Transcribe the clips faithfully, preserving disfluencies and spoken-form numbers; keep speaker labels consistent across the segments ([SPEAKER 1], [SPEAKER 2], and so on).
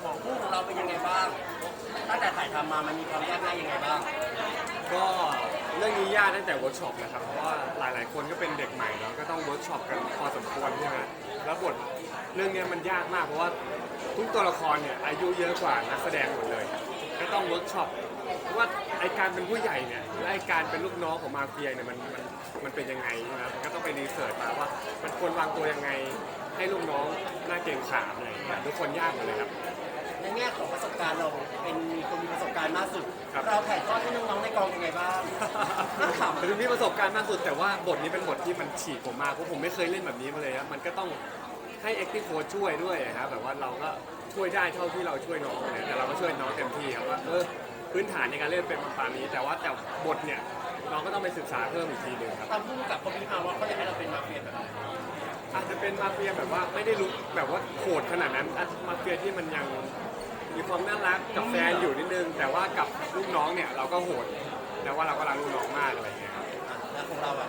[SPEAKER 1] ของคู่ของเราเป็นยังไงบ้างตั้งแต่ถ่ายทำมามันมีความยากง่ายยังไงบ้าง
[SPEAKER 2] ก็เรื่องนี้ยากตั้งแต่เวิร์กช็อปนะครับเพราะว่าหลายๆคนก็เป็นเด็กใหม่เนาะก็ต้องเวิร์กช็อปกันพอสมควรใช่ไหมแล้วบทเรื่องนี้มันยากมากเพราะว่าทุกตัวละครเนี่ยอายุเยอะกว่านักแสดงหมดเลยก็ต้องเวิร์กช็อปเพราะว่าไอการเป็นผู้ใหญ่เนี่ยและไอการเป็นลูกน้องของมาเฟียเนี่ยมันมันมันเป็นยังไงใช่ไหมมันก็ต้องไปรีเสิร์ชมาว่ามันควรวางตัวยังไงให้ลูกน้องน่าเกรงขามอะไรอย่างเงี้ยทุกคนยากหมดเลยครับ
[SPEAKER 1] ในแง่ของประสบการณ์เราเป็นคนมีประสบการณ์มากสุด
[SPEAKER 2] ครับ
[SPEAKER 1] เราถ่ายทอดให้น้องๆในกองยังไงบ้างน่าขำ
[SPEAKER 2] คือมีประสบการณ์มากสุดแต่ว่าบทนี้เป็นบทที่มันฉีกผมมากเพราะผมไม่เคยเล่นแบบนี้มาเลยครับมันก็ต้องให้ acting coach ช่วยด้วยครับแบบว่าเราก็ช่วยได้เท่าที่เราช่วยน้องเนี่ยแต่เราก็ช่วยน้องเต็มที่ครับว่าเออพื้นฐานในการเล่นเป็นประมาณนี้แต่ว่าแต่บทเนี่ยน้องก็ต้องไปศึกษาเพิ่มอีกทีหนึ่งครับ
[SPEAKER 1] ตามผู้กำกับเขาพิจารณาว่าเขาจะให้เราเป็นมาเฟียแบบไหน
[SPEAKER 2] อาจจะเป็นมาเฟียแบบว่าไม่ได้รู้แบบว่าโหดขนาดนั้นอาจจะมาเฟียที่มันยังมีความน่ารักกับแฟนอยู่นิดนึงแต่ว่ากับลูกน้องเนี่ยเราก็โหดแต่ว่าเราก็รักลูกน้องมากอะไรอย่างเงี้ยครับ
[SPEAKER 1] อ่ะแล้วของเราอ่ะ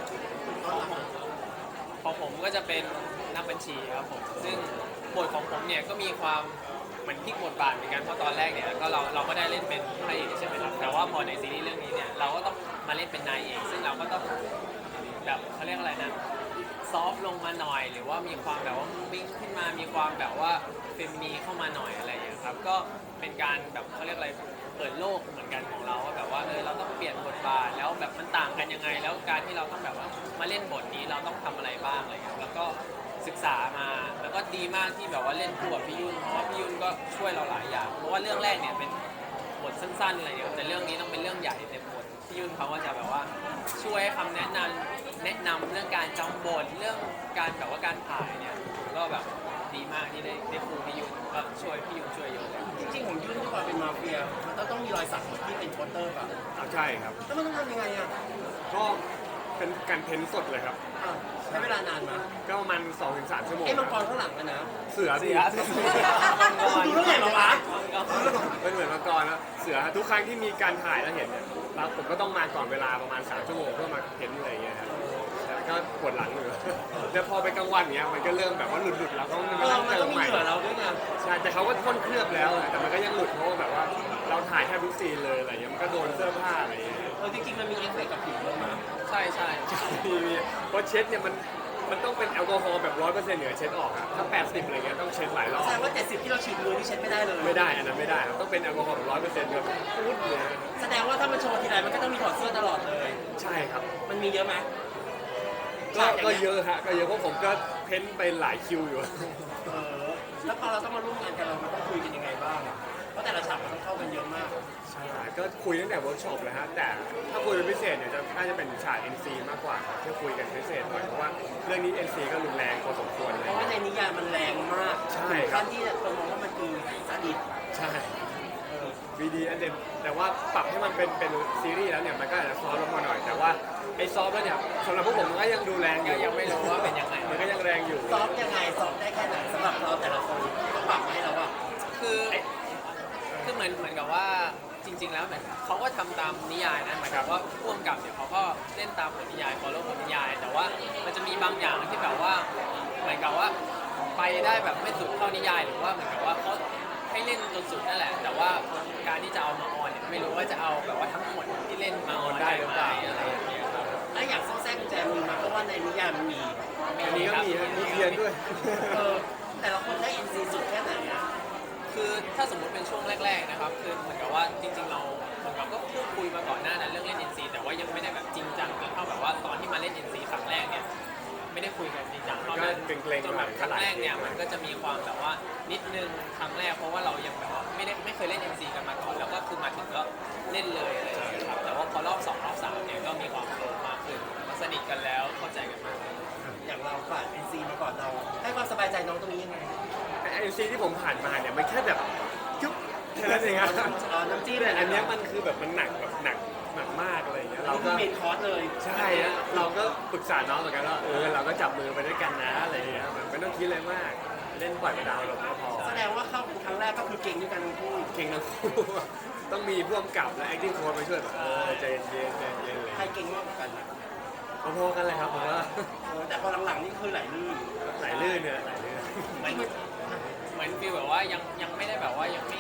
[SPEAKER 3] ของผมก็จะเป็นนักบัญชีครับผมซึ่งบทของผมเนี่ยก็มีความเหมือนพลิกบทบาทเหมือนกันเพราะตอนแรกเนี่ยก็เราเราก็ได้เล่นเป็นพระเอกใช่ไหมครับแต่ว่าพอในซีรีส์เรื่องนี้เนี่ยเราก็ต้องมาเล่นเป็นนายเอกซึ่งเราก็ต้องแบบเขาเรียกอะไรนะซอฟลงมาหน่อย หรือว่ามีความแบบว่าวิ่งขึ้นมามีความแบบว่าเฟมินีเข้ามาหน่อยอะไรอย่างเงี้ยครับก็เป็นการแบบเขาเรียกอะไรเปิดโลกเหมือนกันของเราว่าแบบว่าเออเราต้องเปลี่ยนบทบาทแล้วแบบมันต่างกันยังไง แล้วการที่เราต้องแบบว่ามาเล่นบทนี้เราต้องทำอะไรบ้างอะไรอย่างเงี้ยแล้วก็ศึกษามาแล้วก็ดีมากที่แบบว่าเล่นคู่กับพี่ยุ่นเพราะว่าพี่ยุ่นก็ช่วยเราหลายอย่างเพราะว่าเรื่องแรกเนี่ยเป็นบทสั้นๆอะไรอย่างเงี้ยแต่เรื่องนี้ต้องเป็นเรื่องใหญ่เต็มบทพี่ยุ่นเขาก็จะแบบว่าช่วยให้คำแนะนำแนะนำเรื่องการจำบทเรื่องการแบบว่าการถ่ายเนี่ยก็แบบดีมากที่ได้ได้ครูพี่ยุ่นก็ช่วยพี่ยุ่นช่วยเยอะเลย
[SPEAKER 1] จริงๆของยุ่นด้วยความเป็นมาเฟียมันต้องต้องมีรอยสักที่เป็นโปสเตอร์ป่ะ
[SPEAKER 2] เอาใช่ครับ
[SPEAKER 1] แล้วมันต้องทำยังไงอ่ะ
[SPEAKER 2] ก็เป็นการเพ้นสดเลยครับ
[SPEAKER 1] อ่ะใช้เวลานานมา
[SPEAKER 2] ก็ประมาณสองถึงสามชั่วโมง
[SPEAKER 1] ไอ้มังกรข้างหลังอะนะ
[SPEAKER 2] เสือสิ
[SPEAKER 3] เสือ
[SPEAKER 1] ดูเรื่องไหนมาวะ
[SPEAKER 2] เป็นเหมือนมังกรนะเสือทุกครั้งที่มีการถ่ายแล้วเห็นเนี่ยเราผมก็ต้องมาก่อนเวลาประมาณสามชั่วโมงเพื่อมาเพ้นอะไรอย่างเงี้ยครับแต่ก็ปวดหลังอยู่แล้วพอไปกลางวันเนี้ยมันก็เริ่มแบบว่าหลุดๆแล้วก็มัน
[SPEAKER 1] เอ
[SPEAKER 2] มา
[SPEAKER 1] อ
[SPEAKER 2] ตั้ง
[SPEAKER 1] มัน
[SPEAKER 2] เติ
[SPEAKER 1] ต้อ
[SPEAKER 2] ม
[SPEAKER 1] งมี
[SPEAKER 2] ใหม่
[SPEAKER 1] เหงื่อเราด้วยไง
[SPEAKER 2] ใช่แต่เขาก็พ่นเคลือบแล้วอะแต่มันก็ยังหลุดเพราะว่าแบบว่าเราถ่ายแค่ทุกซีนเลยอะไรเงี้ยมันก็โดนเสื้อผ้าอะไรเงี้ย
[SPEAKER 1] เออจริงๆมันมีเอฟเฟกต์กับผิวด้วยมั้ย
[SPEAKER 3] ใช่ใช่
[SPEAKER 2] มีมีเพราะเช็ดเนี่ยมันมันต้องเป็นแอลกอฮอล์แบบร้อยเปอร์เซ็นต์เหนือเช็ดออกอะถ้าแปดสิบอะไรเงี้ยต้องเช็ดหลายรอบ
[SPEAKER 1] แสดงว่าเจ็ดสิบที่เราฉีดมือที่เช็ดไม่ได้เลย
[SPEAKER 2] ไม่ได้อันนั้นไม่ได้ครับต้องเป็นแอลกอฮอล์แบบร้อยเปอร์เซ็นต์แบบพุดเลย
[SPEAKER 1] แสดงว่าถ้ามันโชว์ทีไรมันก็ต้องมีถอดเสื้อตลอดเลย
[SPEAKER 2] ใช่ครับ
[SPEAKER 1] มันมีเยอะไหม
[SPEAKER 2] ก็ก็เยอะฮะก็เยอะเพราะผมก็เพ้นไปหลายคิวอยู่
[SPEAKER 1] เออแล้วพอเราต้องมาร่วมงานกันเรามันต้องคุยกันยังไงบ้างอะเพราะแต่ละฉากมันต้องเข้ากันเยอะมาก
[SPEAKER 2] ใช่ก็คุยตั้งแต่เวิร์กช็อปเลยฮะแต่ถ้าคุยเป็นพิเศษเนี่ยจะน่าจะเป็นฉาก เอ็น ซี มากกว่าครับที่คุยกันพิเศษหน่อยเพราะว่าเรื่องนี้ เอ็น ซี ก็รุนแรงพอสมควรเล
[SPEAKER 1] เพ
[SPEAKER 2] ย
[SPEAKER 1] ราะว่าในนิยายมันแรงมาก
[SPEAKER 2] ใช่
[SPEAKER 1] ถึง
[SPEAKER 2] ครั
[SPEAKER 1] ขั้
[SPEAKER 2] บ
[SPEAKER 1] นที่คนมองว่ามันคือซาดิส
[SPEAKER 2] ใช่
[SPEAKER 1] เออ
[SPEAKER 2] วีดีอันเดมแต่ว่าปรับให้มันเป็นเป็นซีรีส์แล้วเนี่ยมันก็อาจจะซอฟต์ลงมาหน่อย แต่ว่าไอ้ซอฟต์แล้วเนี่ยสำหรับพวกผมมันก็ยังดูแรงอ
[SPEAKER 3] ก็
[SPEAKER 2] ยู่
[SPEAKER 3] ยังไม่รู้ว่าเป็นยังไง
[SPEAKER 2] มันก็ยังแรงอยู่
[SPEAKER 1] ซอฟต์ยังไงซอฟต์ได้แค่ไหนสำหรับเราแต่ละคนที่เขาปรับมาให้เราอะ
[SPEAKER 3] คือคือเหมือนเหมือนกับว่าจริง ๆ แล้วเหมือนเขาก็ทำตามนิยายนะหมายความว่าพ่วงกับเนี่ยเขาก็เล่นตามบทนิยาย follow บทนิยาย แต่ว่ามันจะมีบางอย่างที่แบบว่าเหมือนกับว่าไปได้แบบไม่สุดเท่านิยาย หรือว่าเหมือนกับว่าเขาให้เล่นจนสุดนั่นแหละ แต่ว่าการที่จะเอามาออนเนี่ยไม่รู้ว่าจะเอาแบบว่าทั้งหมดที่เล่นมาออนได้หรือเปล่าอะไรอย่างเงี้ยครับ
[SPEAKER 1] ถ้าอยากซ่อนแทรกกุญแจมือมาเพราะว่าในนิยายมันมี
[SPEAKER 2] อันนี้ก็มีฮะมีเทียนด้วย
[SPEAKER 1] เออแต่ละคนได้อินซีสุดแค่ไหนอะ
[SPEAKER 3] คือถ้าสมมุติเป็นช่วงแรกๆนะครับคือเหมือนกับว่าจริงๆเราเหมือนกับก็พูดคุยมาก่อนหน้านั้นเรื่องเล่น เอ็น ซี แต่ว่ายังไม่ได้แบบจริงจังจนเท่าแบบว่าตอนที่มาเล่น เอ็น ซี ครั้งแรกเนี่ยไม่ได้คุยกันจริงจังเท่านั้น
[SPEAKER 2] ก็เกรงๆ
[SPEAKER 3] จนแบบ
[SPEAKER 2] หน่อย
[SPEAKER 3] ครั้งแรกเนี่ยมันก็จะมีความแบบว่านิดนึงครั้งแรกเพราะว่าเรายังแบบว่าไม่ได้ไม่เคยเล่น เอ็น ซี กันมาก่อนแล้วก็คือมาถึงก็เล่นเลยอะไรอย่างเงี้ยครับแต่ว่าพอรอบสองรอบสามเนี่ยก็มีความโฟล์มากขึ้นก็สนิทกันแล้วเข้าใจกันมากขึ้น
[SPEAKER 1] อย่างเราผ่านอินซีมาก่อนเรา ให้ความสบายใจน้องตรงนี้ยังไง
[SPEAKER 2] ไอซีที่ผมผ่านมาเนี่ยมันแค่แบบจุ๊บแค่นั้นเองครับ
[SPEAKER 1] เออน้ำจิ้ม
[SPEAKER 2] แต่อันเนี้ยมันคือแบบมันหนักแบบหนักหนักมากอะไรอย่างเงี้ย
[SPEAKER 1] เรา
[SPEAKER 2] เรา
[SPEAKER 1] ก็
[SPEAKER 2] ก็
[SPEAKER 1] เมนคอร์สเลย
[SPEAKER 2] ใช่ฮะเราก็ปรึกษาน้องเหมือนกันว่าเออเราก็จับมือไปด้วยกันนะอะไรอย่างเงี้ยมันไม่ต้องคิดอะไรมากเล่นปล่อยไปดาวลงก็พอ
[SPEAKER 1] แสดงว่าเข้าครั้งแรกก็คือเก่งด้วยกันทั้งคู่
[SPEAKER 2] เก่งทั้งคู่ ต้องมีพ่วงกับและ acting coach มาช่วยแบบเออใจเย็นๆใจเย็นๆเลย
[SPEAKER 1] ใครเก่งมากกว่ากันอะ
[SPEAKER 2] พอๆกันเลยครับผมว่า
[SPEAKER 1] เออแต่พอหลังๆนี่คือไหลลื่น
[SPEAKER 2] ไหลลื่นเนี่ยไหลลื่น
[SPEAKER 3] เหมือนเหมือนฟีลแบบว่ายังยังไม่ได้แบบว่ายัง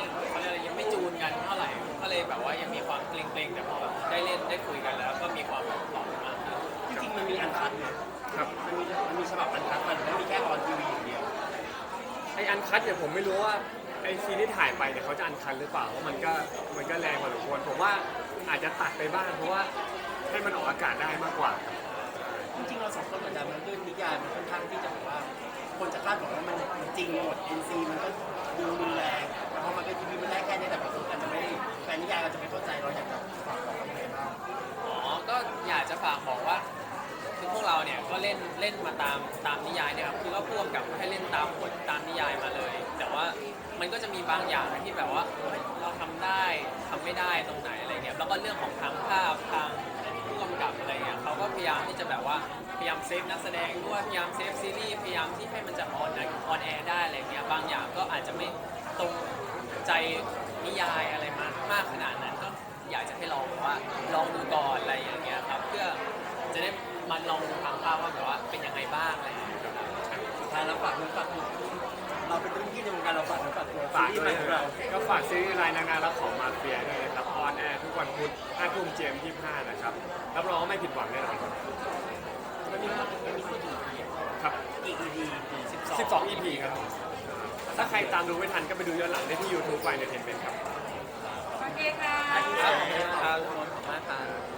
[SPEAKER 2] ไออันคัดเนี่ยผมไม่รู้ว่าไอซีนที่ถ่ายไปเนี่ยเขาจะอันคัดหรือเปล่าเพราะมันก็มันก็แรงพอสมควรผมว่าอาจจะตัดไปบ้างเพราะว่าให้มันออกอากาศได้มากกว่า
[SPEAKER 1] จริงๆเราสองคนเหมือนกันมันด้วยนิยายมันค่อนข้างที่จะแบบว่า คนจะคาดหวังว่ามันจริงหมด เอ็น ซี มันก็ดูรุนแรงแต่พอมันเป็นทีวีมันได้แค่นี้แต่บางคนอาจจะไม่แฟนนิยายเราจะไม่เข้าใจเราอยากจะฝากบอกยังไงบ้าง
[SPEAKER 3] อ๋อก็อยากจะฝากบอกว่าคือพวกเราเนี่ยก็เล่นเล่นมาตามตามนิยายเนี่ยครับคือก็พ่วงกับให้เล่นตามบทตามนิยายมาเลย แต่ว่ามันก็จะมีบางอย่างที่แบบว่าเฮ้ยเราทำได้ทำไม่ได้ตรงไหนอะไรเงี้ยแล้วก็เรื่องของทางภาพทางผู้กำกับอะไรเงี้ยเขาก็พยายามที่จะแบบว่าพยายามเซฟนักแสดงด้วยพยายามเซฟซีรีส์พยายามที่ให้มันจะออนออนแอร์ได้อะไรเงี้ยบางอย่างก็อาจจะไม่ตรงใจนิยายอะไรมากมากขนาดนั้นก็อยากจะให้ลองแบบว่าลองดูก่อนอะไรอย่างเงี้ยครับเพื่อจะได้มันลองดูทางภาพว่าแบบว่าเป็นยังไงบ้างอะไรอย่างเงี้ยครับ
[SPEAKER 1] สุดท้ายเราฝากเนื้อฝากตัวเราเป็นรุ่นพี่ในวงการเราฝากเนื้อฝากตัว
[SPEAKER 2] ฝาก
[SPEAKER 1] ซี
[SPEAKER 2] ด้
[SPEAKER 1] รีส์
[SPEAKER 2] ว
[SPEAKER 1] ใหม่
[SPEAKER 2] ย
[SPEAKER 1] ของเรา
[SPEAKER 2] ก็ฝากซีรีส์รายนางงามและของมาเฟียด้วยนะครับออนแอร์ทุกวันพุธห้าทุ่มเจมยี่สิบห้านะครับรับรองว่าไม่ผิดหวังแน่นอนครับ
[SPEAKER 1] มันมีมันมีพูดถึงอีก
[SPEAKER 2] ครับ
[SPEAKER 1] อีก อี พี
[SPEAKER 2] สิบสอง อี พี ครับถ้าใครตามดูไม่ทันก็ไปดูย้อนหลังได้ที่ YouTube ไฟเนเทนเมนต์ครับ
[SPEAKER 4] โอเคค่ะ
[SPEAKER 3] ครับขอบคุณครับขอบคุณมากครับ